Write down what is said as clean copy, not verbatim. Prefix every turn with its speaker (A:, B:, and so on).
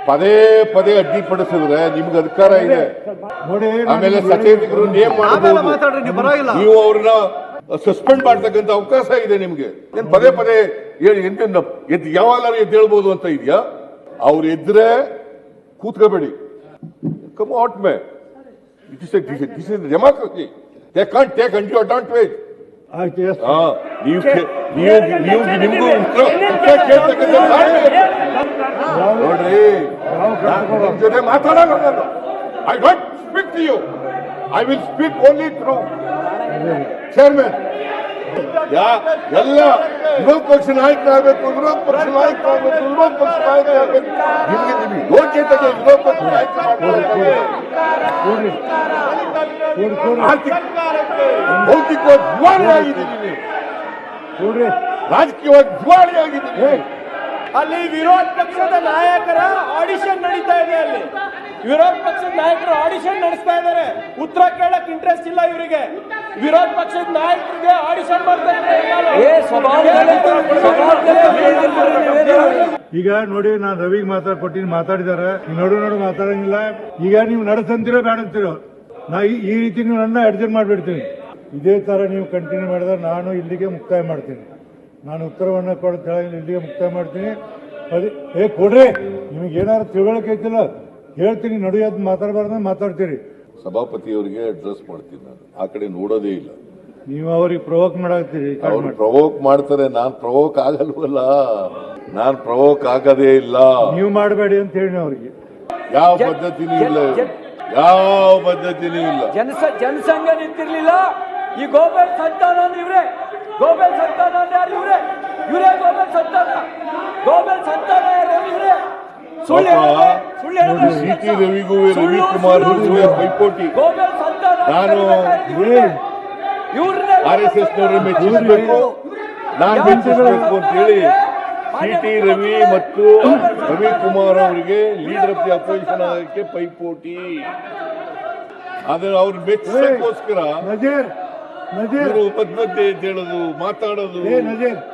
A: ಪದೇ ಪದೇ ಅಡ್ಡಿಪಡಿಸಿದ್ರೆ ನಿಮ್ಗೆ ಅಧಿಕಾರ ಇದೆ. ಆಮೇಲೆ ಸಚೇತಕರು ನೇಮ್ ಮಾಡಬಹುದು, ನೀವು ಅವ್ರನ್ನ ಸಸ್ಪೆಂಡ್ ಮಾಡ್ತಕ್ಕಂಥ ಅವಕಾಶ ಇದೆ ನಿಮ್ಗೆ. ಏನ್ ಪದೇ ಪದೇ ಎದ್ದು ಯಾವಾಗಲಾರು ಎದ್ದು ಹೇಳ್ಬೋದು ಅಂತ ಇದೆಯಾ? ಅವ್ರು ಎದ್ರೆ ಕೂತ್ಕೋಬೇಡಿ. Come out may, this is democracy. They can't take undue advantage. ನಿಮ್ಗೂ ನೋಡ್ರಿ, ನಿಮ್ ಜೊತೆ ಮಾತಾಡೋಣ. I don't speak to you, I will speak only through chairman. ಎಲ್ಲ ವಿರೋಧ ಪಕ್ಷ ನಾಯಕರಾಗಬೇಕು, ವಿರೋಧ ಪಕ್ಷ ನಾಯಕರಾಗಬೇಕು, ವಿರೋಧ ಪಕ್ಷ ನಾಯಕರಾಗಬೇಕು. ನಿಮ್ಗೆ ಯೋಗ್ಯತೆಗೆ ವಿರೋಧ ಪಕ್ಷ ನಾಯಕ ಭೌತಿಕವಾಗಿ ದಿವಾಳಿ ಆಗಿದ್ದೀನಿ, ರಾಜಕೀಯವಾಗಿ ದಿವಾಳಿ ಆಗಿದ್ದೀನಿ.
B: ಅಲ್ಲಿ ವಿರೋಧ ಪಕ್ಷದ ನಾಯಕರ ಆಡಿಷನ್ ನಡೀತಾ ಇದೆ. ಅಲ್ಲಿ ವಿರೋಧ ಪಕ್ಷದ ನಾಯಕರು ಆಡಿಷನ್ ನಡೆಸ್ತಾ ಇದ್ದಾರೆ. ಉತ್ತರ ಕೇಳಕ್ ಇಂಟ್ರೆಸ್ಟ್ ಇಲ್ಲ ಇವರಿಗೆ. ವಿರೋಧ ಪಕ್ಷದ ನಾಯಕರಿಗೆ ಆಡಿಷನ್ ಮಾಡ್ತಾ ಇದ್ದಾರೆ.
C: ಈಗ ನೋಡಿ, ನಾನು ರವಿಗೆ ಮಾತಾಡ್ಕೊಟ್ಟಿನಿ, ಮಾತಾಡಿದಾರೆ. ನೋಡು ಮಾತಾಡಂಗಿಲ್ಲ. ಈಗ ನೀವು ನಡೆಸಂತಿರೋ ಬೇಡ ಅಂತಿರೋ, ನಾ ಈ ರೀತಿ ನೀವು ನನ್ನ ಅಡ್ಜಸ್ಟ್ ಮಾಡಿಬಿಡ್ತೀನಿ. ಇದೇ ತರ ನೀವು ಕಂಟಿನ್ಯೂ ಮಾಡಿದ್ರೆ ನಾನು ಇಲ್ಲಿಗೆ ಮುಕ್ತಾಯ ಮಾಡ್ತೀನಿ. ನಾನು ಉತ್ತರವನ್ನು ಕೊಡ್ತಾ ಇಲ್ಲಿಗೆ ಮುಕ್ತಾಯ ಮಾಡ್ತೀನಿ. ಕೊಡ್ರಿ, ನಿಮಗೆ ಏನಾದ್ರು ತಿಳುವಳಿಕೆ ಐತಿಲ್ಲ ಹೇಳ್ತೀನಿ. ನಡೆಯೋದು ಮಾತಾಡಬಾರ್ದು, ಮಾತಾಡ್ತೀರಿ.
A: ಸಭಾಪತಿಯವರಿಗೆ ಅಡ್ರೆಸ್ ಮಾಡ್ತೀನಿ. ನಾನು ಆ ಕಡೆ ನೋಡೋದೇ ಇಲ್ಲ.
C: ನೀವು ಅವ್ರಿಗೆ ಪ್ರವೋಕ್ ಮಾಡಾಕ್ತೀರಿ.
A: ಅವ್ರು ಪ್ರವೋಕ್ ಮಾಡ್ತಾರೆ, ನಾನ್ ಪ್ರವೋಕ್ ಆಗಲ್ವಲ್ಲ. ನಾನ್ ಪ್ರವೋಕ್ ಆಗದೇ ಇಲ್ಲ.
C: ನೀವು ಮಾಡಬೇಡಿ ಅಂತ ಹೇಳಿ ಅವ್ರಿಗೆ
A: ಯಾವ ಪದ್ಧತಿನೂ ಇಲ್ಲ, ಯಾವ ಪದ್ಧತಿನೂ ಇಲ್ಲ.
B: ಜನಸಂಘ ನಿಂತಿರ್ಲಿಲ್ಲ. ಈ ಗೋಬೆಲ್ ಸಂತಾನ ಇವ್ರೆ, ಗೋಬೆಲ್ ಸಂತಾನ ಯಾರು? ಇವರೇ ಗೋಬೆಲ್ ಸಂತಾನ. ಗೋಬೆಲ್ ಸಂತಾನ ಯಾರು? ಇವರೇ.
A: ಸಿಟಿ ರವಿಗೂ ರವಿಕುಮಾರ್ ಪೈಪೋಟಿ. ನಾನು RSS ನವರು ಮೆಚ್ಚಿಸಬೇಕು, ನಾನು ಮೆಚ್ಚಿಸಬೇಕು ಅಂತ ಹೇಳಿ ಸಿಟಿ ರವಿ ಮತ್ತು ರವಿಕುಮಾರ್ ಅವರಿಗೆ ಲೀಡರ್ ಆಫ್ ದಿ ಅಪೋಸಿಷನ್ ಆಗಕ್ಕೆ ಪೈಪೋಟಿ. ಆದ್ರೆ ಅವ್ರು ಮೆಚ್ಚಿಸೋಕ್ಕೋಸ್ಕರ ಮಧ್ಯ ಹೇಳೋದು, ಮಾತಾಡೋದು.